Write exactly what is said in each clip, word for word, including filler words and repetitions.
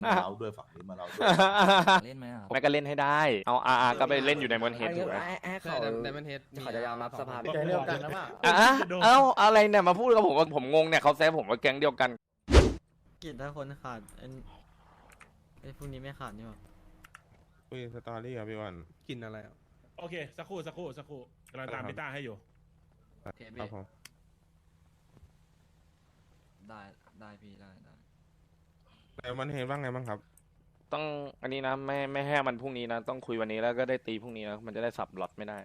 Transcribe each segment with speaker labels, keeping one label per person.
Speaker 1: มาเราด้วยฝั่งนี้มาเราด้วย
Speaker 2: เล่นไหมครับ
Speaker 3: แม่ก็เล่นให้ได้เอาอาร์ก็ไปเล่นอยู่ในมอนเฮดถูกไหม
Speaker 4: ให้เขา
Speaker 5: ไดมอนเฮด
Speaker 4: เขาจะยอมรับสภาพ
Speaker 6: ใจเดียวกันนะว่า
Speaker 3: อ่ะเอ้าอะไรเนี่ยมาพูดกับผมว่าผมงงเนี่ยเขาแซวผมว่าแก๊งเดียวกัน
Speaker 6: กิจถ้าคนขาดไอ้ไอ้พวกนี้ไม่ขาดนี่หรอ
Speaker 7: คุยสตอรี่ครับพี่วัน
Speaker 5: กินอะไรอ่ะ
Speaker 8: โอเคสักครู่สักครู่สักครู่กำลังตามพี่ต้าให้อยู่
Speaker 7: ครับผม
Speaker 2: ได้ได้พี่ได้ได้
Speaker 7: แต่มันเห็นว่าไงบ้างครับ
Speaker 3: ต้องอันนี้นะไม่ไม่ให้มันพรุ่งนี้นะต้องคุยวันนี้แล้วก็ได้ตีพรุ่งนี้นะมันจะได้สับล็อตไม่ได้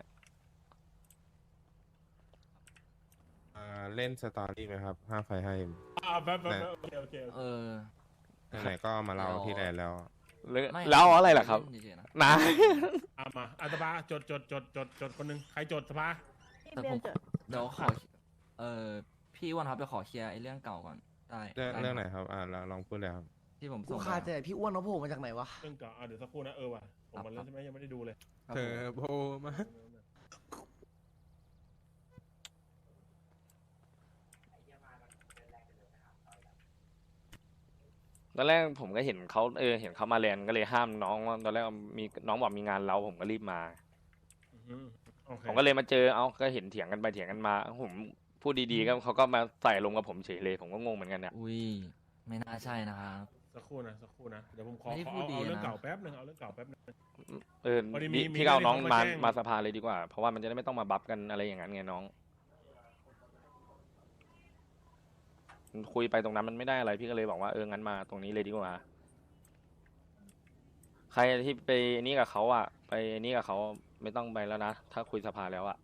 Speaker 7: อ่าเล่นสตอรี่ไหมครับห้าไฟให้
Speaker 8: อ่าแป๊บแป๊บแป๊บโอเคโอเคโอเค
Speaker 2: เออ
Speaker 7: ไหนๆก็มาเล่าที่แลนด์แล้ว
Speaker 3: แล้ว
Speaker 2: ไม่
Speaker 3: แล้วอะไรล่ะครับ
Speaker 2: เล่นเฉยๆนะ
Speaker 3: นะ
Speaker 8: เอามาอัตภาจดจดจดจดจดคนหนึ่งใครจดสภา
Speaker 2: แต่ผมเดี๋ยวขอเออพี่อ้วันครับเดี๋ยวขอเคลียร์ไอ้เรื่องเก่าก่อนได้
Speaker 7: เรื่อง
Speaker 2: ด้
Speaker 7: เรื่องไหนครับอ่าลองลองพูดเลยครับ
Speaker 2: ที่ผม
Speaker 4: กู
Speaker 2: ส่งไป
Speaker 4: คาใจพี่อ้วนเขาโผล่มาจากไหนวะ
Speaker 8: เรื่องเก่าอ่าเดี๋ยวสักครู่นะเออว่ะผมมาแล้วใช่ไหมยังไม่ได้ดูเลย
Speaker 2: ครับ
Speaker 5: เธ
Speaker 2: ผ
Speaker 5: อ
Speaker 2: ม
Speaker 5: โบมา
Speaker 3: ตอนแรกผมก็เห็นเขาเออเห็นเขามาแลนด์ก็เลยห้ามน้องว่าตอนแรกมีน้องบอกมีงานเราผมก็รีบมา
Speaker 8: อืมโอเค
Speaker 3: ผมก็เลยมาเจอเอาก็เห็นเถียงกันไปเถียงกันมาผมพูดดีๆก็เขาก็มาใส่ลงกับผมเฉยเลยผมก็งงเหมือนกันเนี่ย
Speaker 2: อุ้ยไม่น่าใช่นะครับ
Speaker 8: สักครู่นะสักครู่นะเดี๋ยวผมขอ
Speaker 2: ไม่ได้
Speaker 8: ขอ
Speaker 2: พูด
Speaker 8: เอา
Speaker 2: ดี
Speaker 8: เอาเรื่อง
Speaker 2: นะ
Speaker 8: เก่าแป๊บหนึงเอาเรื่องเก่าแป๊บหนึง
Speaker 3: เออ
Speaker 8: พอดีมี
Speaker 3: พี่
Speaker 8: มี
Speaker 3: พี่ก็เอาน้อง
Speaker 8: เรื่อง
Speaker 3: มา
Speaker 8: ที่เขามาแจ้ง
Speaker 3: มาสภาเลยดีกว่า เพราะว่ามันจะได้ไม่ต้องมาบัฟกันอะไรอย่างนั้นไงน้องคุยไปตรงนั้นมันไม่ได้อะไรพี่ก็เลยบอกว่าเอองั้นมาตรงนี้เลยดีกว่า ใครที่ไปนี่กับเขาอ่ะ ไปนี่กับเขาไม่ต้องไปแล้วนะถ้าคุยสภาแล้วอ่ะ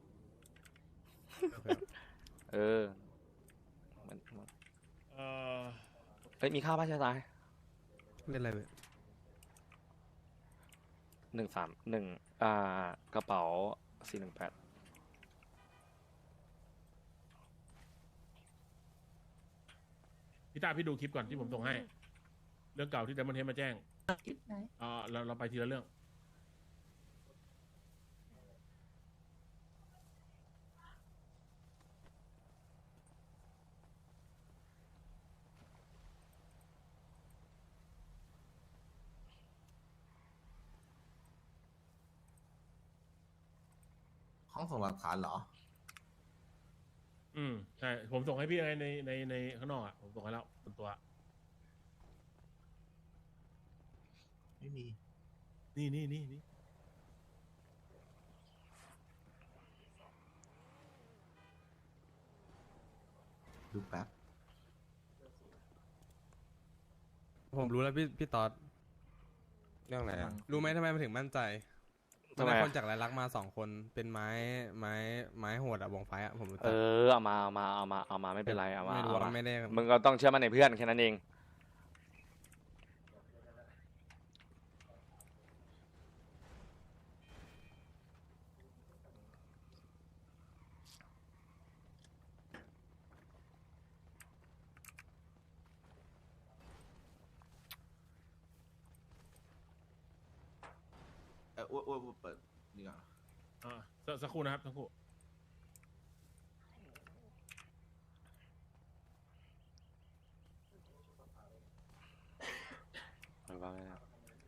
Speaker 3: เออมัน
Speaker 8: เอ่อ
Speaker 3: เฮ้ยมีข้าวป้าชายตาย
Speaker 5: เล่นอะไรเว้ย
Speaker 3: หนึ่งสามหนึ่งอ่ากระเป๋าสี่หนึ่งแปด
Speaker 8: พี่ต้าพี่ดูคลิปก่อนที่ผมส่งให้ เรื่องเก่าที่เดมอนเทสมาแจ้งอ่าเราเราไปทีละเรื่อง
Speaker 1: ห้องส่งหลักฐานเหรอ
Speaker 8: อืมใช่ผมส่งให้พี่ในในในในข้างนอกอ่ะผมส่งให้แล้วบนตัว
Speaker 1: ไม่มี
Speaker 8: นี่นี่นี่นี่
Speaker 1: ดูแป๊บ
Speaker 5: ผมรู้แล้วพี่พี่ต๊อด
Speaker 7: เรื่องอะไรอ่ะ
Speaker 5: รู้ไหมทำไมมันถึงมั่นใจ
Speaker 3: ทำ
Speaker 5: มัน
Speaker 3: ไม
Speaker 5: ได้
Speaker 3: อะ
Speaker 5: คนจากรายลักษณ์มาสองคนเป็นไม้ไม้ไม้โหดอะวงไฟอะผมรู้
Speaker 3: เอ
Speaker 5: จัก
Speaker 3: อเอามาเอามาเอามาเอามาไม่เป็นไรเอามา
Speaker 5: ไม่รู้
Speaker 3: เอา
Speaker 5: ว่า
Speaker 3: มา
Speaker 5: ไม่ได้
Speaker 3: มึงก็ต้องเชื่อมั่นในเพื่อนแค่นั้นเอง
Speaker 1: เอออ้วนอ้วนอ้วนเปิดนี่ก่อน
Speaker 8: อ่าสักสักครู่นะครับสักครู่
Speaker 3: เอาว่าไงนะ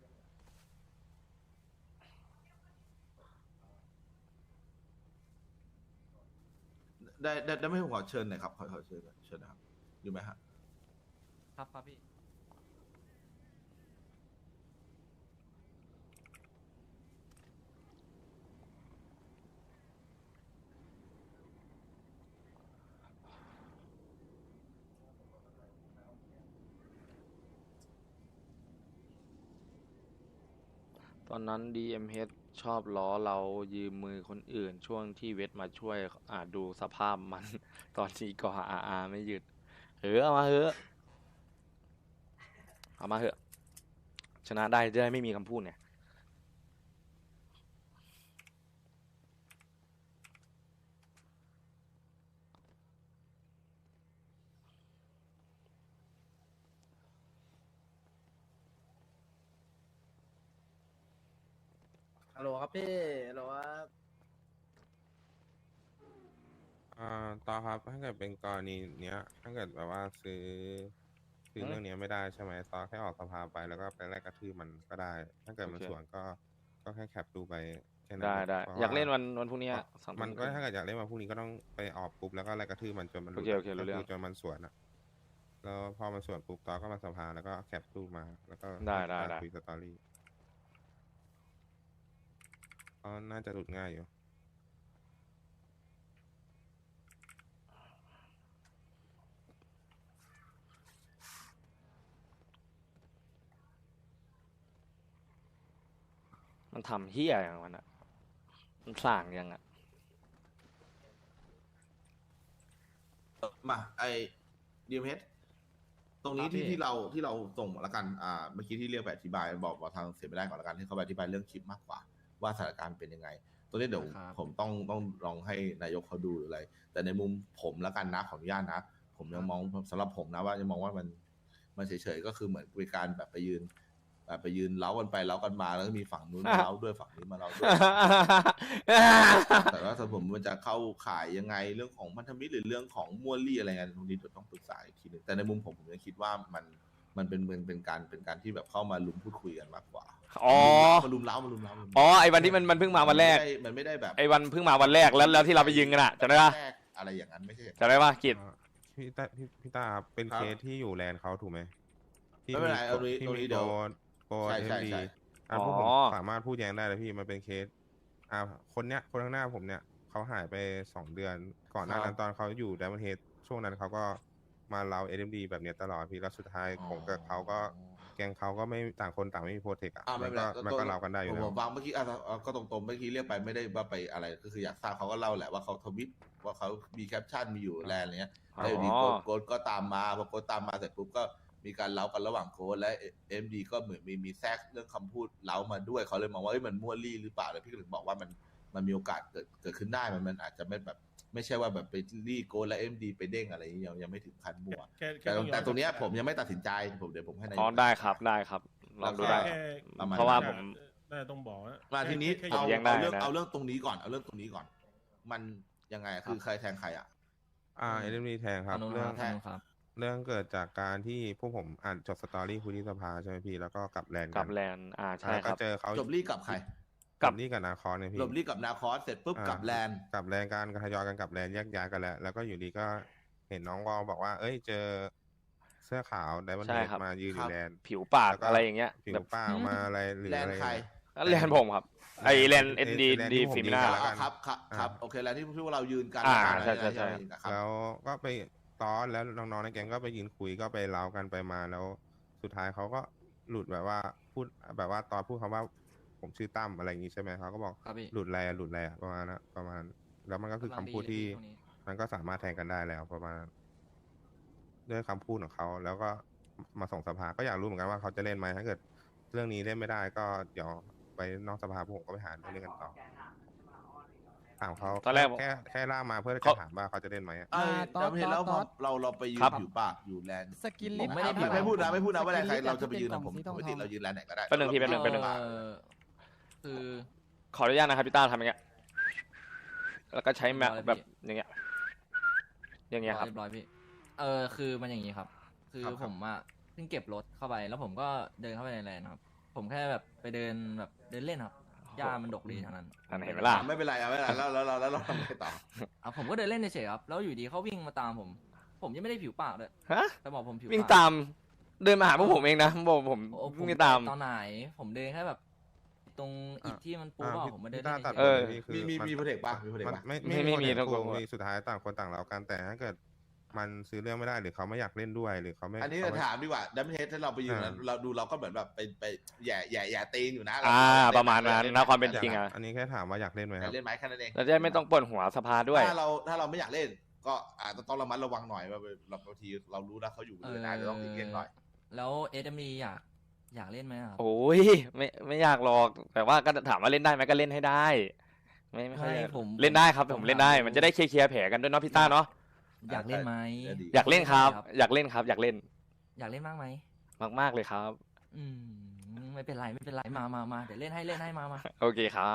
Speaker 1: ได้ได้ได้ไม่ผมขอเชิญหน่อยครับขอขอเชิญหน่อยเชิญนะครับอยู่ไหมฮะ
Speaker 2: ครับครับพี่
Speaker 3: ตอนนั้น ดี เอ็ม เอช ชอบล้อเรายืมมือคนอื่น ช่วงที่เวทมาช่วยอ่าดูสภาพมัน ตอนนี้ก็อาอาไม่หยุดเออเอามาเถอะเอามาเถอะชนะได้จะได้ไม่มีคำพูดเนี่ย
Speaker 4: ฮัลโหลครับพี่ฮัลโหลครับ
Speaker 7: อ่าต่อครับถ้าเกิดเป็นกรณีเนี้ย ถ้าเกิดแบบว่าซื้อซื้อคือเรื่องนี้ไม่ได้ใช่ไหมตอนแค่ออกสภาไปแล้วก็ไปไล่กระทืบมันก็ได้ ถ้าเกิดมัน
Speaker 3: โอเค
Speaker 7: สวนก็ก็แค่แคปดูไปแค่นั้น
Speaker 3: ได้
Speaker 7: เอง
Speaker 3: ได้
Speaker 7: พระ
Speaker 3: อยากเล่น
Speaker 7: ว่
Speaker 3: วันวันพรุ่งนี้อะสองทุ่
Speaker 7: มันก็
Speaker 3: ครึ่ง
Speaker 7: ถ้าเกิดอยากเล่นวันพรุ่งนี้ก็ต้องไปออกปุ๊บแล้วก็ไล่กระทืบมันจนมันหลุด
Speaker 3: โอเคโอเครู้เรื่อง
Speaker 7: ก็จนมันสวนอะแล้วพอมันสวนปุ๊บตอนก็มาสภาแล้วก็แคปรูปมา แล้วก็
Speaker 3: ได้ได้
Speaker 7: ให้
Speaker 3: ได้
Speaker 7: คุยสตอรี่ก็น่าจะหลุดง่ายอยู่
Speaker 3: มันทำเฮี้ยอย่างมันอะมันสั่งยังอะ
Speaker 1: มาไอดีเอ็มเอสตรงนี้
Speaker 2: ครับพี่
Speaker 1: ที่ที่เราที่เราส่งมาแล้วกันอ่าเมื่อกี้ที่เรียกไปอธิบายบอกบอกทางเสียไม่ได้ก่อนแล้วกันให้เขาไปอธิบายเรื่องคลิปมากกว่า ว่าสถานการณ์เป็นยังไงตรงนี้เดี๋ยว
Speaker 2: ครับ
Speaker 1: ผมต้องต้องลองให้นายกเขาดูหรืออะไร แต่ในมุมผมแล้วกันนะขออนุญาตนะ ผมยังมองสำหรับผมนะว่ายังมองว่ามันมันเฉยๆก็คือเหมือนเป็นการแบบไปยืนแบบไปยืนเล้ากันไปเล้ากันมาแล้วก็มีฝั่งนู้นมาเล้าด้วยฝั่งนี้มาเล้าด้วย แต่ว่าสำหรับผมมันจะเข้าข่ายยังไงเรื่องของพันธมิตรหรือเรื่องของมั่วลี่อะไรเงี้ยตรงนี้เดี๋ยวต้องปรึกษาอีกทีหนึงแต่ในมุมผมผมยังคิดว่ามันมันเป็นเป็นเป็นการเป็นการที่แบบเข้ามาลุมพูดคุยกันมากกว่า
Speaker 3: อ๋อ
Speaker 1: มาลุมเล้ามาลุมเล้ามาลุม
Speaker 3: อ๋อ
Speaker 1: เล้า
Speaker 3: ไอ้วันที่มันมันเพิ่งมาวันแรก
Speaker 1: มันไม่ได้แบบ
Speaker 3: ไอ้วันเพิ่งมาวันแรกแล้วแล้วที่เราไปยิงกันอะจำได้ปะ
Speaker 1: แรกอะไรอย่างนั้นไม่ใช่
Speaker 3: จำได้ปะกิจ
Speaker 7: อ่าพี่ตาพี่พี่ตาครับเป็น
Speaker 1: ครับ
Speaker 7: เคสที่อยู่แลนด์เขาถูกไหมที่
Speaker 1: ไม่เป็นไร
Speaker 7: โก
Speaker 1: เอาตรงนี้
Speaker 7: ที่
Speaker 1: ตรงนี้
Speaker 7: มี
Speaker 1: เดี๋ยว
Speaker 7: โกโก
Speaker 1: ใช่
Speaker 7: เอ็
Speaker 1: ใช่
Speaker 7: มดี
Speaker 1: ใช่
Speaker 7: อ่าพวกผม
Speaker 3: อ๋อ
Speaker 7: สามารถพูดแย้งได้เลยพี่มันเป็นเคสอ่าคนเนี้ยคนข้างหน้าผมเนี่ยเขาหายไปสองเดือน ก่อนหน้านั้นตอนเขาอยู่ดัมเบิลเฮดช่วงนั้นเขาก็มาเล่าเอ็มดีแบบเนี้ยตลอดพี่แล้วสุดท้ายผมกับเขาก็แกงเขาก็ไม่ต่างคนต่างไม่มีโปรเทคอ่ะ
Speaker 1: อ่า
Speaker 7: มั
Speaker 1: ไม่
Speaker 7: น
Speaker 1: เป็น
Speaker 7: ก็
Speaker 1: ไร
Speaker 7: มันก็เล่ากันได้อยู่
Speaker 1: ผม
Speaker 7: แล้ว
Speaker 1: ผมฟังเมื่อกี้อ่ะอ่ะก็ตรงๆเมื่อกี้เรียกไปไม่ได้ว่าไปอะไรก็คืออยากทราบเขาก็เล่าแหละว่าเขาทวิตว่าเขามีแคปชั่นมีอยู่แลนด์อะไรเงี้ย
Speaker 3: อ๋อ
Speaker 1: แล้วอยู่ดีโกดโกดก็ตามมาพอโกดตามมาเสร็จปุ๊บก็มีการเล้ากันระหว่างโกดและเอ็มดีก็เหมือนมีมีแทรกเรื่องคำพูดเล้ามาด้วยเขาเลยมองว่าเอ้ยมันมั่วลี่หรือเปล่าเลยพี่ก็ถึงบอกว่ามันมันมีโอกาสเกิดเกิดขึ้นได้มันมันอาจจะไม่แบบไม่ใช่ว่าแบบไปลี่โกดและเอ็มดีไปเด้งอะไรอย่างเงี้ยยังยังไม่ถึงขั้นมั่ว
Speaker 8: แค่ค่
Speaker 1: แต่
Speaker 8: อย้อ
Speaker 1: แต่ตรงเนี้ยผมยังไม่ตัดสินใจผมเดี๋ยวผมให้นายก
Speaker 3: อ๋อได้ครับได้ครับลองดูได้
Speaker 8: แค่
Speaker 1: ประมาณ
Speaker 3: เพราะว่าผม
Speaker 8: น่าจะต้องบอกว่า
Speaker 1: มาทีนี้
Speaker 8: แค่
Speaker 1: เอา
Speaker 3: แย้งได้
Speaker 1: เอาเรื่อง
Speaker 3: นะ
Speaker 1: เอาเรื่องตรงนี้ก่อนเอาเรื่องตรงนี้ก่อน มันยังไงอะคือใครแทงใครอ่ะ
Speaker 7: อ่าเอ็มดีแทงครับ
Speaker 2: ทางนู้น
Speaker 7: เรื่
Speaker 2: ค
Speaker 7: อง
Speaker 2: รับทางนู้นครับ
Speaker 7: เรื่องเกิดจากการที่พวกผมอ่านจบสตอรี่คุยที่สภาใช่ไหมพี่แล้วก็กลับแลนด์
Speaker 3: กับแลนด์อ่าใช่
Speaker 7: แล้ว
Speaker 3: ค
Speaker 7: ก็
Speaker 3: รับ
Speaker 7: เจอเขา
Speaker 1: จบลี่กับใคร
Speaker 3: กั
Speaker 7: กับ บนี่กับนาคอนเนี่ยพี่
Speaker 1: จบลี่กับนาคอสเสร็จปุ๊บ
Speaker 7: อ่า
Speaker 1: กับแลนด์
Speaker 7: กลับแลนด์กันก็ทยอยกันกลับแลนด์แยกย้ายกันแล้ว แล้วก็อยู่ดีก็เห็นน้องวอลบอกว่า เอ้ยเจอเสื้อขาวไดมอนด์
Speaker 3: ใช่
Speaker 7: เฮด
Speaker 3: ครับ
Speaker 7: มายืนอยู่แลนด์
Speaker 3: ผิวปาก
Speaker 7: แล้วก็
Speaker 3: อะไรอย่างเงี้ย
Speaker 7: ผิว
Speaker 3: แบบ
Speaker 7: ป้าออกมาอะไรหรือ
Speaker 1: แลน
Speaker 7: อะไร
Speaker 1: ด์ใคร
Speaker 3: แลนด์ผมครับ ไอแลนด์เอ็นดี
Speaker 7: แลนด์
Speaker 3: ดี
Speaker 7: ที่ผม
Speaker 3: ฟิมิ
Speaker 7: ยื
Speaker 3: น่า
Speaker 7: น แล้วกัน
Speaker 1: ครับครับครับโอเคแลนด์ที่ที่พวกเรายืนกัน
Speaker 3: อ่า
Speaker 1: นะ
Speaker 3: ใช่ใช่ใช่
Speaker 1: ครับ
Speaker 7: แล้วก็ไปตอนแล้วน้องๆในแก๊งก็ไปยืนคุยก็ไปเล้ากันไปมาแล้ว สุดท้ายเขาก็หลุดแบบว่าพูดแบบว่าตอนพูดคำว่าผมชื่อตั้มอะไรอย่างงี้ใช่ไหมเขาก็บอก
Speaker 2: ครับพี่
Speaker 7: หลุดอะไรอะหลุดอะไรอะประมาณนั้นประมาณ แล้วมันก็คือคำพูดที่
Speaker 2: กำลังดีเลยพี่
Speaker 7: มันก็สามารถแทงกันได้แล้วประมาณนั้นด้วยคำพูดของเขาแล้วก็มาส่งสภาก็อยากรู้เหมือนกันว่าเขาจะเล่นไหมถ้าเกิด เรื่องนี้เล่นไม่ได้ก็เดี๋ยวไปนอกสภาพวกผมก็ไปหาเรื่องกันต่อถามเขา
Speaker 3: ตอนแรกผม
Speaker 7: แค่แค่ล่ามาเพื่อ
Speaker 3: เขา
Speaker 7: จะถามว่าเขาจะเล่นไหมอะ
Speaker 1: เอ้ย
Speaker 9: อ่า
Speaker 1: แต่ไม่เห็นแล้ว
Speaker 9: ต๊
Speaker 1: พ
Speaker 9: อ
Speaker 1: อ
Speaker 9: ด
Speaker 1: เราเราไปยืน
Speaker 3: ครับ
Speaker 1: อยู่ปากอยู่แลนด์
Speaker 9: สกิน
Speaker 2: ผ
Speaker 9: ลิ
Speaker 2: ม
Speaker 9: ฟต์
Speaker 2: ไม่ได้
Speaker 1: ไม่ไม่พูดนะไม่พูดนะว่าแลนด์ใคร
Speaker 9: สกิลลิฟต์
Speaker 1: เราจะไปยืน
Speaker 9: ที่
Speaker 1: นะผม
Speaker 9: เป็นกล่อง
Speaker 1: ปก
Speaker 9: สี
Speaker 1: ติ
Speaker 9: ทองๆ
Speaker 1: เรายืนแลนด์ไหนก็ได้
Speaker 3: แป๊บนึงพี่แป๊บนึงแป๊บนึง
Speaker 2: เออคือ
Speaker 3: ขออนุญาตนะครับพี่ต้าทำอย่างเงี้ย แล้วก็ใช้แมป
Speaker 2: เรียบร้อย
Speaker 3: แบบอย่างเงี้ย อย่างเงี้ยครับ
Speaker 2: เรียบร้อยพี่ เออคือมันอย่างนี้ครับ คือผมอะเพิ่งเก็บรถเข้าไปแล้วผมก็เดินเข้าไปในแลนด์ครับ ผมแค่แบบไปเดินแบบเดินเล่นครับหญ้ามันดกดีทางนั้น
Speaker 3: อันเห็นไหมล่ะ
Speaker 1: ไม่เป็นไรเอาไม่เป็นไรแล้วแล้วแล้วแล้วเราทำไงต่อ
Speaker 2: อ่ะผมก็เดินเล่นเฉยๆครับ แล้วอยู่ดีเขาวิ่งมาตามผม ผมยังไม่ได้ผิวปากเลย
Speaker 3: ฮะ
Speaker 2: แต่บอกผมผิว
Speaker 3: วิ่ง
Speaker 2: ปาก
Speaker 3: ตาม เดินมาหาพวกผมเองนะบอกผม
Speaker 2: โอ้ผม
Speaker 3: วิ่งตาม
Speaker 2: ตอนไหน ผมเดินแค่แบบ ตรงอิฐที่มันปู
Speaker 7: อ่า
Speaker 2: เปล่า
Speaker 7: พี่
Speaker 2: ผมมาเดิน
Speaker 7: พี่
Speaker 2: เล่
Speaker 7: ต้าน ตัด
Speaker 2: เฉย
Speaker 3: เออ
Speaker 7: พี่คือ
Speaker 1: มีมี
Speaker 7: น
Speaker 1: มีโปรเทคป่ะมีโปรเทค
Speaker 7: มัน
Speaker 1: ป่ะ
Speaker 7: ไม่
Speaker 3: ไม่ไม่มี
Speaker 7: โปร
Speaker 3: ทั้ง
Speaker 7: เทค
Speaker 3: คู่
Speaker 7: มีสุดท้ายต่างคนต่างเล้ากันแต่ถ้าเกิดมันซื้อเรื่องไม่ได้หรือเขาไม่อยากเล่นด้วยหรือเขาไม่
Speaker 1: อันนี้
Speaker 7: เขาไม่
Speaker 1: ถามดีกว่าดัมเบิลเฮดถ้าเราไปยืน
Speaker 7: อ่า
Speaker 1: เราดูเราก็เหมือนแบบไปไปแย่แย่แย่ตีนอยู่นะ
Speaker 3: อ่า
Speaker 1: เ
Speaker 3: ประมาณนั้นนะความเป็น
Speaker 1: อยก
Speaker 3: จริงอะ
Speaker 7: อันนี้แค่ถามว่าอยากเล่นไหม
Speaker 1: อ
Speaker 7: ค
Speaker 1: ยา
Speaker 7: รั
Speaker 1: ก
Speaker 7: บ
Speaker 1: เล่นไหมแค่นั้นเอง
Speaker 3: เราจะได้ไม่ต้องปวดหัวสภาด้วย
Speaker 1: ถ้าเราถ้าเราไม่อยากเล่น ก็อาจจะต้องระมัดระวังหน่อยว่าเราบางทีเรารู้นะเขาอยู่
Speaker 2: ๆ
Speaker 1: เลยนะจะต้องตีเกมหน่อย
Speaker 2: แล้วเอสเอ็มดีอยากอยากเล่นไหมครับ
Speaker 3: โอ้ยไม่ไม่อยากหรอก แต่ว่าก็ถามว่าเล่นได้ไหมก็เล่นให้ได้ ไม่ไม่ค่อย
Speaker 2: ไม่
Speaker 3: อยาก
Speaker 2: ผม
Speaker 3: เล่นได้ครับ
Speaker 2: ผม
Speaker 3: ผมเล่นได้
Speaker 2: ถาม
Speaker 3: มันจะได้เคลียร์แผลกันด้วยเนาะพี่ต้าเนาะ
Speaker 2: อยากเล่นไหม
Speaker 1: จะดี
Speaker 3: อยากเล่นครับ
Speaker 2: ครับ
Speaker 3: อยากเล่นครับ อยากเล่น
Speaker 2: อยากเล่นมากไหม
Speaker 3: มากๆเลยครับ
Speaker 2: อืมไม่เป็นไรไม่เป็นไรมามามาเดี๋ยวเล่นให้เล่นให้มามา
Speaker 3: โอเคครับ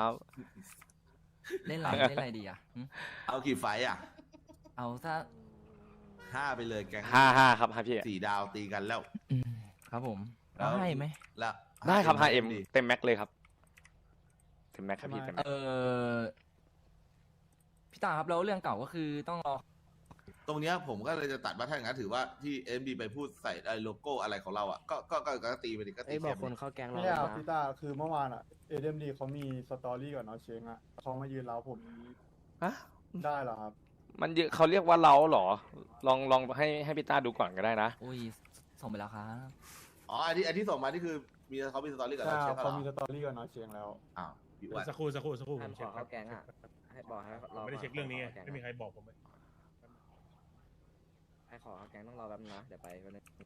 Speaker 2: เล่นอะไรเล่นอะไรดีอ่ะหึ
Speaker 1: เอากี่ไฟต์อ่ะ
Speaker 2: เอาถ้า
Speaker 1: ห้าไปเลยแกง
Speaker 3: ห้าห้าครับห้าพี่
Speaker 1: สี่ดาวตีกันแล้ว
Speaker 2: อืมครับผมแล้วให้ไหม
Speaker 1: แล้ว
Speaker 3: ได้ครับ ห้า เอ็ม
Speaker 1: ดี
Speaker 3: เต็มแม็กเลยครับเต็มแม็กครับพี่เต็มแม็ก
Speaker 2: เออพี่ตาครับแล้วเรื่องเก่าก็คือต้องรอ
Speaker 1: ตรงเนี้ยผมก็เลยจะตัดว่าถ้าอย่างนั้นถือว่าที่เอ็มดีไปพูดใส่ไอ้โลโก้อะไรของเราอ่ะก็ก็ก็ก็ตีไปดิก็ตี
Speaker 4: ไอ้ยบ
Speaker 1: แค่
Speaker 4: อกคนเข้าแก๊งเรา
Speaker 9: ไม่ใช่ครับ
Speaker 4: นะ
Speaker 9: พี่ตาคือเมื่อวานอ่ะเอเดมดีเขามีสตอรี่กับน้องเชงอ่ะเขามายืนเล้าผม
Speaker 3: ฮะ
Speaker 9: ได้เหรอครับ
Speaker 3: มันเยอะเขาเรียกว่าเล้าเหรอ ลองลองให้ให้พี่ต้าดูก่อนก็ได้นะ
Speaker 2: อุ้ยส่งไปแล้วครับ
Speaker 1: อ๋อไอ้ที่ไอ้ที่ส่งมานี่คือมีเขามีสตอรี่กับ
Speaker 9: ใช่
Speaker 1: เรา
Speaker 9: ค
Speaker 1: ใช่
Speaker 9: รับ
Speaker 1: ไหม
Speaker 9: เขามีสตอรี่กับน้องเชงแล้ว
Speaker 1: อ้าวพี่อ้วน
Speaker 8: สักครู่สักครู่สักครู่ผ
Speaker 4: ให้
Speaker 8: ม
Speaker 4: ข
Speaker 8: เช็
Speaker 4: อ
Speaker 8: คค
Speaker 4: เข้า
Speaker 8: รับ
Speaker 4: แก๊งอ่ะให้บอกให้
Speaker 8: ผม
Speaker 4: รอ
Speaker 8: ไม่ได้เช็คเรื่องนี้ไง
Speaker 4: ขข้าแก๊
Speaker 8: ไม่มีใครบอกผมเลย
Speaker 4: ให้ขอเข้าแก๊งต้องรอแป๊บนึงนะเดี๋ยวไปแป๊บนึง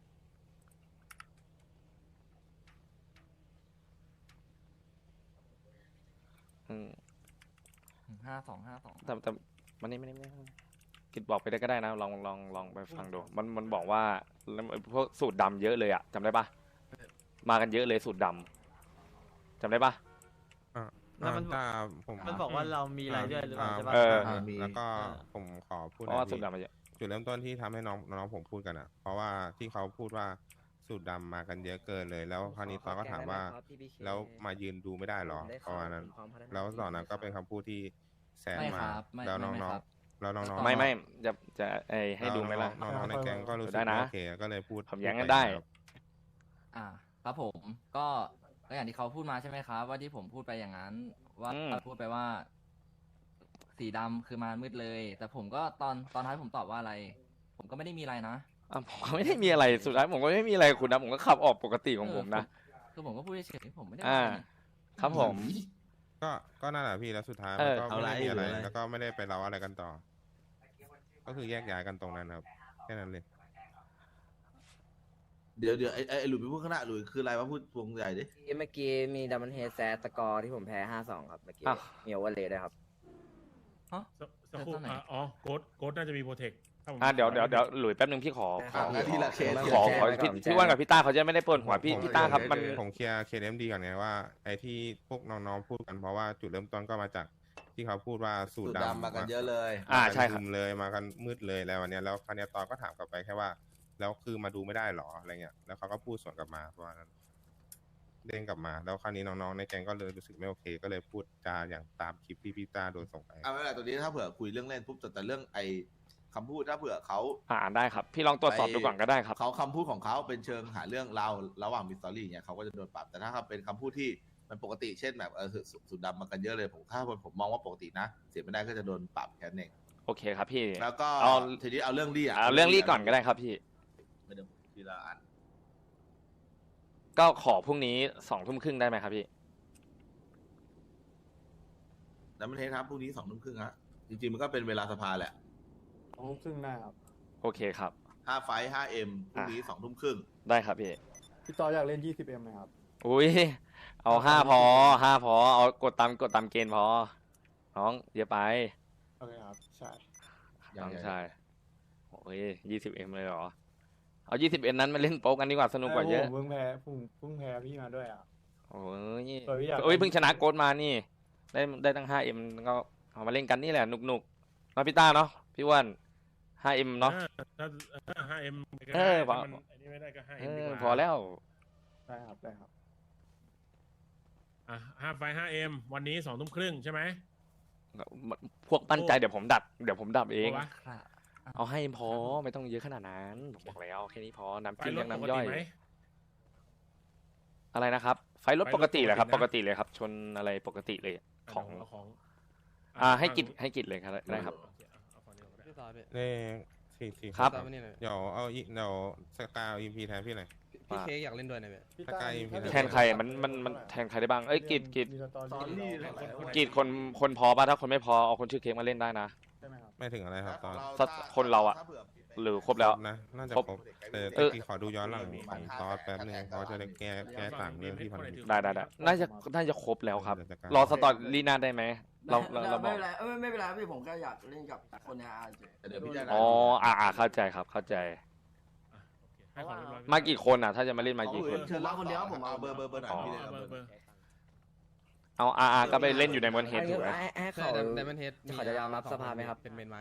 Speaker 3: อืม
Speaker 2: ห้าสองห้าสอง
Speaker 3: แต่แต่มันนี่ไม่ได้ไม่ได้กิดบอกไปได้ก็ได้นะ ลองลองลองไปฟังดู มันมันบอกว่าพวกสูตรดำเยอะเลยอะจำได้ปะมากันเยอะเลยสูตรดำจำได้ปะ
Speaker 7: อ่ะ
Speaker 6: แล้วมัน
Speaker 7: อ่าถ้าผม
Speaker 6: มันบอกว่าเรามีรายด้วยหรือเปล่า
Speaker 7: อ่า
Speaker 6: ใช่ปะ
Speaker 3: เออ
Speaker 7: อ่าแล้วก็ผมขอพูด
Speaker 3: เพราะว่า
Speaker 7: หน่อย
Speaker 3: สูตร
Speaker 7: พี่
Speaker 3: ดำมาเยอะ
Speaker 7: จุดเริ่มต้นที่ทำให้น้องน้องผมพูดกันอ่ะ เพราะว่าที่เขาพูดว่าสูตรดำมากันเยอะเกินเลย แล้วคราวนี้ตอนก็ถามว่า แล้วมายืนดูไม่ได้หรอประมาณนั้น แล้วตอนนั้นก็เป็นคำพูดที่แซง
Speaker 2: ไม่
Speaker 7: มา
Speaker 2: ครับไม่
Speaker 7: แล้ว
Speaker 2: ไม่
Speaker 7: น้
Speaker 2: ไม่
Speaker 7: อง
Speaker 2: ครับ
Speaker 7: ๆแล้วน้องๆ
Speaker 3: ไม่ไม่จะจะไอให้ดูไหมล่ะ
Speaker 7: น้องๆน้องๆในแก๊งก็รู้สึก
Speaker 3: ได้นะ
Speaker 7: ไม่โอเคก็เลยพูด
Speaker 3: ผมแย้ง
Speaker 7: พู
Speaker 3: กัน
Speaker 7: ป
Speaker 3: ได้
Speaker 7: ครับ
Speaker 2: อ่าครับผมก็ก็อย่างที่เขาพูดมาใช่ไหมครับ ว่าที่ผมพูดไปอย่างนั้น ว่า
Speaker 3: อืม
Speaker 2: พูดไปว่า สีดำคือมามืดเลย แต่ผมก็ตอนตอนท้ายผมตอบว่าอะไร ผมก็ไม่ได้มีอะไรนะ
Speaker 3: อ่ะผมก็ไม่ได้มีอะไรสุดท้ายผมก็ไม่มีอะไรกับคุณนะผมก็ขับออกปกติของผมนะ
Speaker 2: เออคือผมก็พูดเฉยๆผมไม่ได้
Speaker 3: อ่า
Speaker 2: ว่าอะไรนี่
Speaker 3: ครับผม
Speaker 7: ก็ก็นั่นแหละพี่แล้วสุดท้าย
Speaker 3: เอ
Speaker 7: มัน
Speaker 3: อ
Speaker 7: ก็ไม่ได้มีอะไร
Speaker 1: เอาไร
Speaker 7: แล้วก็ไม่ได้ไปเล่าอะไรกันต่อ ก็คือแยกย้ายกันตรงนั้นครับแค่นั้นเลย
Speaker 1: เดี๋ยวเดี๋ยวไอ้ไอ้หลุยไปพูดข้างหน้าหลุยคืออะไรวะพูดวงใหญ่ดิ
Speaker 4: เมื่อกี้มีดัมเบิลเฮดแซสกอร์ที่ผมแพ้ห้าสองครับเมื่อกี้
Speaker 3: อ้าว
Speaker 4: มีโอเวอร์เลยด้วยครับ
Speaker 2: ฮะ
Speaker 8: สักสักครู่
Speaker 2: เจอตอนไหน
Speaker 8: อ่ะอ๋อโค้ดโค้ดน่าจะมีโปรเทค
Speaker 3: อ่ะเดี๋ยวเดี๋ยวเดี๋ยวหลุยแป๊บนึงพี่ขอขอ
Speaker 1: อ่ะทีละเคส
Speaker 3: ขอขอ
Speaker 4: แจ้งไว้ก่
Speaker 3: พี่
Speaker 4: อน
Speaker 3: พี่ว่านกับพี่ต้าเขาจะไม่ได้ปวดหัวพี่
Speaker 7: ผม
Speaker 3: พี่ต้าครับมัน
Speaker 7: ผมเคลียร์เคเอ็มดีก่อนไงว่าไอ้ที่พวกน้องๆพูดกันเพราะว่าจุดเริ่มต้นก็มาจากที่เขาพูดว่าสู
Speaker 1: สู
Speaker 7: ต
Speaker 1: ต
Speaker 7: ร
Speaker 1: ร
Speaker 7: ดำ
Speaker 1: ดำมากันเยอะเลย
Speaker 3: อ่า
Speaker 7: มากัน
Speaker 3: ใช่ครับ
Speaker 7: มเลยมากันมืดเลยแล้ววันเนี้ยแล้วคราวเนี้ยตอนก็ถามกลับไปแค่ว่า แล้วคือมาดูไม่ได้หรออะไรเงี้ยแล้วเขาก็พูดสวนกลับมาประมาณนั้นเด้งกลับมาแล้วคราวนี้น้องๆในแก๊งก็เลยรู้สึกไม่โอเค ก็เลยพูดจาอย่างตามคลิปที่พี่ต้าโดนส่งไป
Speaker 1: อ่าไม่เป็นไรตัวนี้ถ้าเผื่อคุยเรื่องเล่นปุ๊บแต่แต่เรื่องไอ้คำพูดถ้าเผื่อเขา
Speaker 3: อ่านได้ครับ พี่ลองตรวจสอบดูก่อนก็ได้ครับ
Speaker 1: เขาคำพูดของเขาเป็นเชิงหาเรื่องเราระหว่างมิสตอรี่เนี่ยเขาก็จะโดนปรับแต่ถ้าเขาเป็นคำพูดที่มันปกติเช่นแบบเออสุสุดดำมากันเยอะเลยผมถ้าผมมองว่าปกตินะ เสียไม่ได้ก็จะโดนปรับแค่นั้นเอง
Speaker 3: โอเคครับพี่
Speaker 1: แล้วก็
Speaker 3: เอา
Speaker 1: ทีนี้เอาเรื่องลี่อ่ะ
Speaker 3: เอาเรื่องรีก่อนก็ได้ครับพี่
Speaker 1: ไม่ได้ทีละอัน
Speaker 3: ก็ขอพรุ่งนี้สองทุ่มครึ่งได้ไหมครับพี่
Speaker 1: แล้วมันเทสครับพรุ่งนี้สองทุ่มครึ่งฮะจริงๆมันก็เป็นเวลาสภาแหละ
Speaker 9: สองทุ่มครึ่งได้ครับ
Speaker 3: โอเคครับ
Speaker 1: ห้าไฟห้าเอ็มพรุ่งนี้สองทุ่มครึ่ง
Speaker 3: ได้ครับพี่
Speaker 9: พี่ต่ออยากเล่นยี่สิบเอ็มไหมครับ
Speaker 3: อุ้ยเอาห้าพอห้าพอเอากดตามกดตามเกณฑ์พอน้องเยอะไป
Speaker 9: โอเคครับ ใช่
Speaker 3: น้องชายโอ้ยยี่สิบเอ็มเลยเหรอเอายี่สิบเอ็มนั้นมาเล่นโป๊กกันดีกว่าสนุกกว่าเยอะ
Speaker 9: ผมเพิ่งแพ้ผมเพิ่งแพ้พี่มาด้วยอ่ะ
Speaker 3: โอ้ย
Speaker 9: เออพี่อยาก
Speaker 3: เอ้ยเพิ่งชนะโกดมานี่ ได้ได้ตั้งห้าเอ็มก็เอามาเล่นกันนี่แหละหนุกหนุกๆเนาะพี่ต้าเนาะพี่อ้วันห้าเอ็มเนาะ
Speaker 8: ถ้าห้าเอ็ม
Speaker 3: เออพอ
Speaker 8: มันอันนี้ไม่ได้ก็ห้า
Speaker 3: เอ
Speaker 8: เอ็มดี
Speaker 3: อก
Speaker 8: ว่า
Speaker 3: พอแล้ว
Speaker 9: ได้ครับได้ครับ
Speaker 8: อ่ะห้าไฟห้าเอ็มวันนี้สองทุ่มครึ่งใช่ไหม
Speaker 3: พวกปั้นใจเดี๋ยวผมดัดเดี๋ยวผมดับเอง
Speaker 8: พอปะ
Speaker 2: ครับ
Speaker 3: เอาให้พอไม่ต้องเยอะขนาดนั้นผมบอกแล้วแค่นี้พอน้ำ
Speaker 8: ไฟ
Speaker 3: จิ้ม
Speaker 8: รถ
Speaker 3: ยัง
Speaker 8: ปก
Speaker 3: น้ำย่
Speaker 8: ติ
Speaker 3: อย
Speaker 8: ไหม
Speaker 3: อะไรนะครับ ไฟรถ
Speaker 8: ไฟรถ
Speaker 3: ปกติเลยครับ
Speaker 8: ป
Speaker 3: ป
Speaker 8: ก
Speaker 3: ก
Speaker 8: ติ
Speaker 3: ติ
Speaker 8: นะ
Speaker 3: เลยครับ ชนอะไรปกติเลยของ
Speaker 8: เาของ
Speaker 3: อ่าให้กิจให้กิจเลยครับได้ครับ
Speaker 8: โอเเอาฝั่งนี้ก่อนก็ได้
Speaker 5: พี่ต่อพี่
Speaker 7: เลขสี่สี่
Speaker 3: ครับ
Speaker 5: ต่อมานี่หน่อย
Speaker 7: เดี๋ยวเอาอีเดี๋ยวสกาวอีพีแทนพี่หน่อย
Speaker 5: พี่เค้กอยากเล่นด้วยหน่อยพี่
Speaker 9: พี่ต้า
Speaker 7: ถ้าใกล้
Speaker 9: ถ้าเกิด
Speaker 3: แทนใครมันมันมันแทนใครได้บ้างเอ้ยกิจกิจ
Speaker 9: มีสตอ
Speaker 1: ตอน
Speaker 9: รี่
Speaker 1: นี้
Speaker 9: เรา
Speaker 3: กิจคนคนพอป่ะถ้าคนไม่พอเอาคนชื่อเค้กมาเล่นได้นะ
Speaker 9: ใช่ไหมครับ
Speaker 7: ไม่ถึงอะไรครับตอน
Speaker 3: สักคนเราอะ หรือครบแล้ว
Speaker 7: นะน่าจะ
Speaker 3: ครบ
Speaker 7: ครบแต่
Speaker 3: เออ
Speaker 7: ที่ขอดูย้อนหลังของตอนแป๊บนึงเขาจะได้แก้แก้ต่างเรื่องที่ผ่านมา
Speaker 3: ได้ได้ได้น่าจะน่าจะครบแล้วครับ
Speaker 7: เดี๋ยวจะกลาย
Speaker 3: รอสตอรี่หน้าได้ไหมเราเราเราบ
Speaker 10: ไม่
Speaker 3: อก
Speaker 10: เป็นไรเออไม่เป็นไรพี่ผมแค่อยากเล่นกับคนในอาร์เจ
Speaker 1: เดี๋ยวพี่จะ
Speaker 3: อ๋ออ่าอ่าเข้าใจครับเข้าใจ
Speaker 8: ให้ของเรียบร้อย
Speaker 3: มากี่คนอ่ะ ถ้าจะมาเล่นมากี่คน
Speaker 1: เชิญรับคนเดียวผมเอาเบอร์เบอร์เบอร์หน่อย
Speaker 3: อ๋อ
Speaker 1: พี่เลย
Speaker 8: เอา
Speaker 1: เอา
Speaker 8: เบ
Speaker 1: เบ
Speaker 8: อ
Speaker 1: อ
Speaker 8: ร์
Speaker 1: ร์
Speaker 8: เบอร์
Speaker 3: เอาอาอาก็ไปเล่นอยู่ในมอนเฮดถูกไหม
Speaker 4: ให้ให้
Speaker 5: ใช่
Speaker 4: เขา
Speaker 5: ไดมอนเฮด
Speaker 4: เขาจะยอมรับสภาไหมครับ
Speaker 5: เป็นเมนไม้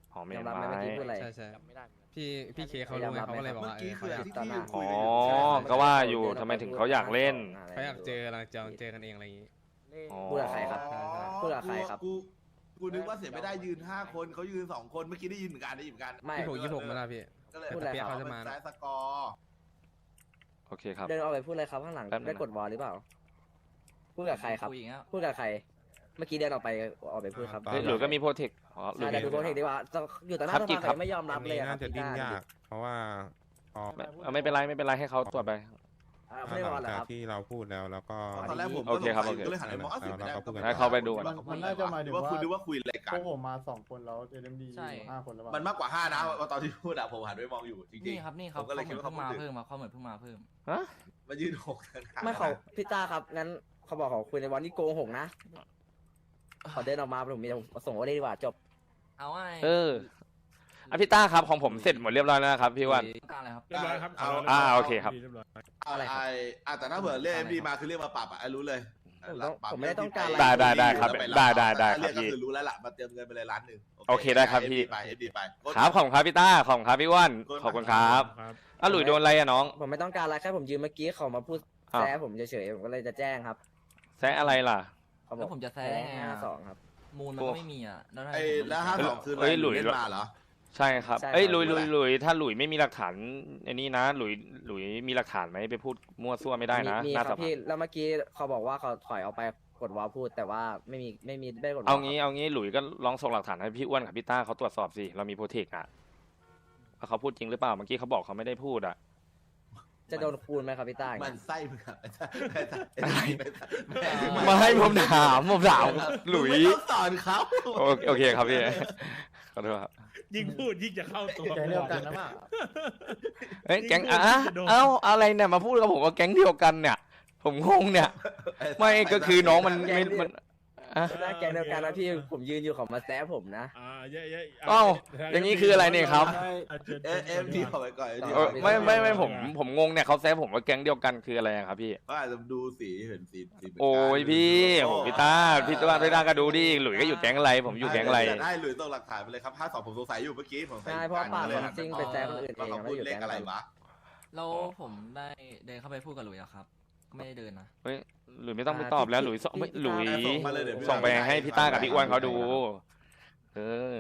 Speaker 3: อ๋อเม
Speaker 4: ยอม
Speaker 3: น
Speaker 4: รับไหม
Speaker 3: ไม้
Speaker 4: เมื่อกี้พูดอะไร
Speaker 5: ใช่ใช่พี่พี่เคเขารู้ไงเขาก็เลยบอกว่าเออเขาอยาก
Speaker 4: ต่อหน้า
Speaker 3: อ๋อก็ว่าอยู่ทำไมถึงเขาอยากเล่น
Speaker 5: เขาอยากเจอกำลังจะเจอกันเองอะไรอย่างงี้
Speaker 3: อ๋อ
Speaker 4: พูดกับใครครับ
Speaker 5: ใช่ใช่
Speaker 4: พูดกับใครครับ
Speaker 1: กูกูนึกว่าเสียไม่ได้ยืนห้าคนเขายืนสองคนเมื่อกี้ได้ยินเหมือนกันได้ยินเหมือนกัน
Speaker 4: ไม่
Speaker 5: ยี่สิบหกยี่สิบหกมาแล้วพี่
Speaker 1: ก็เลย
Speaker 4: พูดอะไร
Speaker 1: เขา
Speaker 5: เขาจะ
Speaker 1: จะ
Speaker 5: มา
Speaker 1: มาสกอร์
Speaker 3: โอเคครับ
Speaker 4: เดินออกไปพูดอะไรครับข้างหลัง
Speaker 3: แป๊บนึงนะ
Speaker 4: ได้กดวอลหรือเปล่า พูดกับใครครับ
Speaker 2: คุยอย่างเงี้ย
Speaker 4: พูดกับใคร เมื่อกี้เดินออกไปออกไปพูดครับ
Speaker 7: อ่า
Speaker 3: เฮ้ยหลุยก็มีโปรเทคอ๋อหลุ
Speaker 4: ใช่
Speaker 3: ย
Speaker 4: แต่ดูโปรเทคดีกว่าอยู่ต่อหน้า
Speaker 3: ครับ
Speaker 4: ส
Speaker 3: กิ๊
Speaker 4: ภาก
Speaker 3: ครับ
Speaker 4: แต่ไม่ยอม
Speaker 7: อั
Speaker 4: รับ
Speaker 7: น
Speaker 4: เลย
Speaker 7: นี้
Speaker 4: อะครั
Speaker 7: น่า
Speaker 4: บ
Speaker 7: จะ
Speaker 4: พี่
Speaker 7: ดิ้น
Speaker 4: ต้าย
Speaker 7: าก เพราะว่าพอ
Speaker 3: ไม่เอาไม่เป็นไรไม่เป็นไรให้เขาตรวจไป
Speaker 4: อ่า
Speaker 7: ห
Speaker 4: ไม่ได้วอ
Speaker 7: ลั
Speaker 4: ล
Speaker 7: ง
Speaker 4: เหรอ
Speaker 7: จาก
Speaker 4: ครับ
Speaker 7: ที่เราพูดแล้วแล้วก็
Speaker 1: ตอนแรกผม
Speaker 3: โอเคครับ
Speaker 1: ก็สงสัย
Speaker 3: โอเค
Speaker 1: ก็เลยหันไปมองอ้าวเสียไม่ได้
Speaker 7: เราก็พูดกัน
Speaker 3: ให้เขาไปดู
Speaker 1: มัน
Speaker 9: มันน่าจะหมายถึง
Speaker 1: ว่า
Speaker 9: ว่า
Speaker 1: คุณนึกว่าคุยอะไร
Speaker 9: พ
Speaker 1: กั
Speaker 9: วน กผมมาสองคนแล้วเอ็มดี
Speaker 2: ใช่
Speaker 9: ห้าคนแล้วเปล่า
Speaker 1: มันมากกว่าห้านะว่าตอนที่พูดอะผมหันไปมองอยู่จริงๆ
Speaker 2: นี่ครับนี่ครับ
Speaker 1: ผมก็เลยคิดว่า
Speaker 2: เขา
Speaker 1: เขา
Speaker 2: เหมือน
Speaker 1: พู
Speaker 2: เพิ่ง
Speaker 1: ด
Speaker 2: มา
Speaker 1: ถึง
Speaker 2: เพิ่มมาเขาเหมือนเพิ่งมาเพิ่ม
Speaker 3: ฮะ
Speaker 1: มายืนหกต่างหาก
Speaker 4: ไม่เขาพี่ต้าครับงั้นเขาบอกเขาคุยในวันที่โกหกนะขอเดินออกมาผมมีส่งโอเดดีกว่าจบ
Speaker 2: เอาไว้
Speaker 3: เอออ่ะพี่ต้าครับของผมเสร็จหมดเรียบร้อยแล้วนะครับพี่อ้วัน
Speaker 2: ต้องการอะไรครับ
Speaker 8: เรียบร้อยครับ
Speaker 1: เอา
Speaker 3: อ่าโอเคครับ
Speaker 8: เรียบร้อย
Speaker 1: เอาอะไรครับอ่ะแต่ถ้าเผื่อเรียกเอ็มดีมาคือเรียกมาปรับอ่ะไอ้รู้เลย
Speaker 4: ผมต้อง
Speaker 1: ปรับ
Speaker 4: ผมไม่ได้ต้องการอะไร
Speaker 3: ได้ได้ได้ครับ
Speaker 1: แล้วป
Speaker 3: ได้ได้ได้
Speaker 1: เรียก
Speaker 3: ครับพี่
Speaker 1: ก็คือรู้แล้วล่ะมาเตรียมเงินไปเลยล้านหนึ่ง
Speaker 3: โอเคได้ครับพี่
Speaker 1: ไปเอ็มดีไป
Speaker 3: ครับขอบคุณครับพี่ต้าขอบคุณครับพี่อ้วันขอบคุณครับ
Speaker 8: ครับ
Speaker 3: อ่ะหลุยโดนอะไรอะน้อง
Speaker 4: ผมไม่ต้องการอะไรแค่ผมยืนเมื่อกี้เขามาพูด
Speaker 3: อ้าว
Speaker 4: แซะผมเฉยๆผมก็เลยจะแจ้งครับ
Speaker 3: แซะอะไรล่ะ
Speaker 4: เขาบ
Speaker 2: แล้
Speaker 4: อก
Speaker 2: วผมจะแซะได้ไง
Speaker 4: ห้า
Speaker 2: อะ
Speaker 4: สองครับ
Speaker 2: มูลมันก็ไม่มีอ่ะแล้วถ้า
Speaker 1: ไอ้
Speaker 2: ผม
Speaker 1: แล้วห้าสองคืออะไร
Speaker 3: เอ้ยหลุย
Speaker 1: เล่นมาเหรอ
Speaker 3: ใช่ครับ
Speaker 4: ใช่ครับ
Speaker 3: เอ้ยหลุยหลุยหลุยถ้าหลุยไม่มีหลักฐานอันนี้นะหลุยหลุยมีหลักฐานไหมไปพูดมั่วซั่วไม่ได้นะ
Speaker 4: มีมี
Speaker 3: หน้า
Speaker 4: ค
Speaker 3: ส
Speaker 4: รับ
Speaker 3: ภา
Speaker 4: พี่แล้วเมื่อกี้เขาบอกว่าเขาถอยออกไปกดวอลพูด แต่ว่าไม่มีไม่มีไม่ได้กดวอล
Speaker 3: เอางี้เอางี้หลุยก็ลองส่งหลักฐานให้พี่อ้วนกับพี่ต้าเขาตรวจสอบสิเรามีโปรเทคอะว่าเขาพูดจริงหรือเปล่าเมื่อกี้เขาบอกเขาไม่ได้พูดอะ
Speaker 4: จะโดนคูณไหมครับพี่ต้าอย่าง
Speaker 1: มั
Speaker 4: เงี้
Speaker 1: น
Speaker 4: ย
Speaker 1: ไส้มึงอะไอ้ไอ้
Speaker 3: มาให้ผมถามผมถามหลุย
Speaker 1: ไม่ต้องสอนเขา
Speaker 3: โอโอเคครับพี่ขอโทษครับ
Speaker 8: ยิ่งพูดยิ่งจะเข้าตัว
Speaker 9: แกเดียวกันนะเปล่า
Speaker 3: เอ้ยแก๊งอ่ะเอ้าอะไรเนี่ยมาพูดกับผมว่าแก๊งเดียวกันเนี่ย ผมงงเนี่ย ไม่ก็คือน้องมันไม่มันอ่ะ
Speaker 4: หน้าแกงเดียวกันนะพี่ผมยืนอยู่เขามาแซะผมนะ
Speaker 8: อ่าเยอะๆ
Speaker 3: เอ้าอย่างนี้คืออะไรเนี่ยครับ
Speaker 1: เอ็มเอ็มดีเอาไว้ก่อน
Speaker 4: เอ
Speaker 3: เออไม่ไม่ไม่ผมผมงงเนี่ยเขาแซะผมว่าแก๊งเดียวกันคืออะไรอะครับพี่
Speaker 1: ก็อาจจะดูสีเห็นสีสีเหมืนกัน
Speaker 3: โอ้ยพี่โอ้พี่ต้าพี่ต้าพี่ต้าก็ดูดิหลุยก็อยู่แก๊งอะไร ผมอยู่แก๊งอะไร
Speaker 1: ได้หรือต้องหลักฐานไปเลยครับห้าสองผมสงสัยอยู่เมื่อกี้ผมสงสัย
Speaker 4: ใช่เพราะว่าปากผมซิ่งไปแซะคนอื่นเอง
Speaker 1: ว่าเขาพูดเลขอะไรวะ
Speaker 2: แล้วผมได้เดินเข้าไปพูดกับหลุยอะครับ ก็ไม่ได้เดินนะ
Speaker 3: เฮ้ยหลุยไม่ต้องไปตอบแล้วหลุยส่งไม่หลุย
Speaker 1: ส่งมาเลยเดี๋ยวพี่
Speaker 3: ส่งไปให้พี่ต้ากับพี่อ้วนเขาดู เออ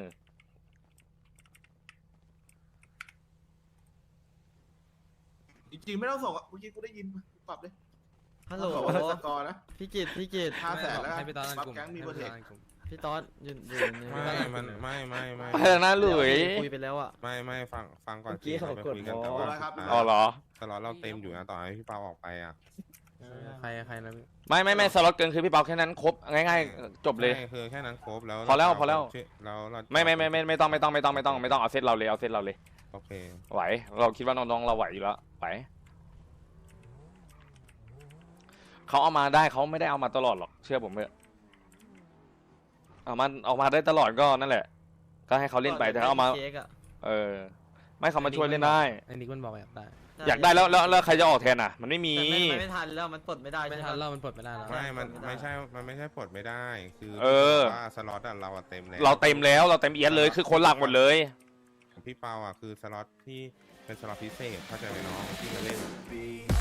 Speaker 1: จริงๆไม่ต้องส่งอ่ะเมื่อกี้กูได้ยินปรับเลย
Speaker 6: ฮัลโหล
Speaker 1: เขาบอกว่าสกอร์นะ
Speaker 6: พี่กิตพี่กิต
Speaker 1: ห้าแสนแล้ว
Speaker 5: ให้พี่ตอนนั่น
Speaker 1: ปั๊บ
Speaker 5: กลุ่ม
Speaker 1: แก๊งมี
Speaker 5: ให้
Speaker 1: โปรเท
Speaker 5: พี่ต
Speaker 1: ค
Speaker 5: อนนั่นกลุ่ม
Speaker 6: พี่ต๊อดยืนยืนยืน
Speaker 7: ไม่มันไม่ไม่ไม่
Speaker 3: ไปแล้วนะหลุย
Speaker 6: คุยไปแล้วอ่ะ
Speaker 7: ไม่ไม่ฟังฟังก่อน
Speaker 4: เมื่อกี้เขา
Speaker 7: ไป
Speaker 4: กด
Speaker 7: คุยกัน
Speaker 4: วอล
Speaker 7: แต่ว่า
Speaker 1: ครับ
Speaker 3: อ๋อเหรอ
Speaker 7: ตลอดเราเต็มอยู่นะต่อให้พี่เปาออกไปอ่ะ
Speaker 5: ใครใครนะ
Speaker 3: ไม่ไม่ไม่สล็อตเกินคือพี่เปาแค่นั้นครบง่ายๆจบเลย
Speaker 7: ใช่คือแค่นั้นครบแล้ว
Speaker 3: พอแล้วพอแล้ว
Speaker 7: แล้วเรา
Speaker 3: ไม่ไม่ไม่ไม่ไม่ต้องไม่ต้องไม่ต้องไม่ต้องไม่ต้องเอาเซตเราเลยเอาเซตเราเลย
Speaker 7: โอเค
Speaker 3: ไหว เราคิดว่าน้องๆเราไหวอยู่แล้วไหวเขาเอามาได้เขาไม่ได้เอามาตลอดหรอกเชื่อผมเถอะเอามาเอามาได้ตลอดก็นั่นแหละ ก็ให้เขาเล่นไปแต่เขาเอามา
Speaker 6: เค้กอะ
Speaker 3: เออ ไม่เขามาช่วยเล่นได้
Speaker 5: ไอ้นิกมันบอกอยากได้
Speaker 3: อยากได้แล้วแล้วแล้วใครจะออกแทนอ่ะ มันไม่มี
Speaker 6: แต่ไม่ไม่ทันแล้วมันปลดไม่ได้
Speaker 5: ไม่
Speaker 6: ใช่ไหม
Speaker 5: ทันเล่ามันปลดไม่ได้แล้ว
Speaker 7: ไม่มัน
Speaker 6: ไม่ได้
Speaker 7: ไม่ใช่มันไม่ใช่ปลดไม่ได้คือ
Speaker 3: เออ
Speaker 7: ว่าสล็อตอะเราอะเต็มแล้ว
Speaker 3: เราเต็มแล้วเราเต็มเอียดเลยคือคนหลักหมดเลย
Speaker 7: พี่เปาอ่ะคือสล็อตที่เป็นสล็อตพิเศษเข้าใจไหมน้องที่มาเล่น
Speaker 1: ปี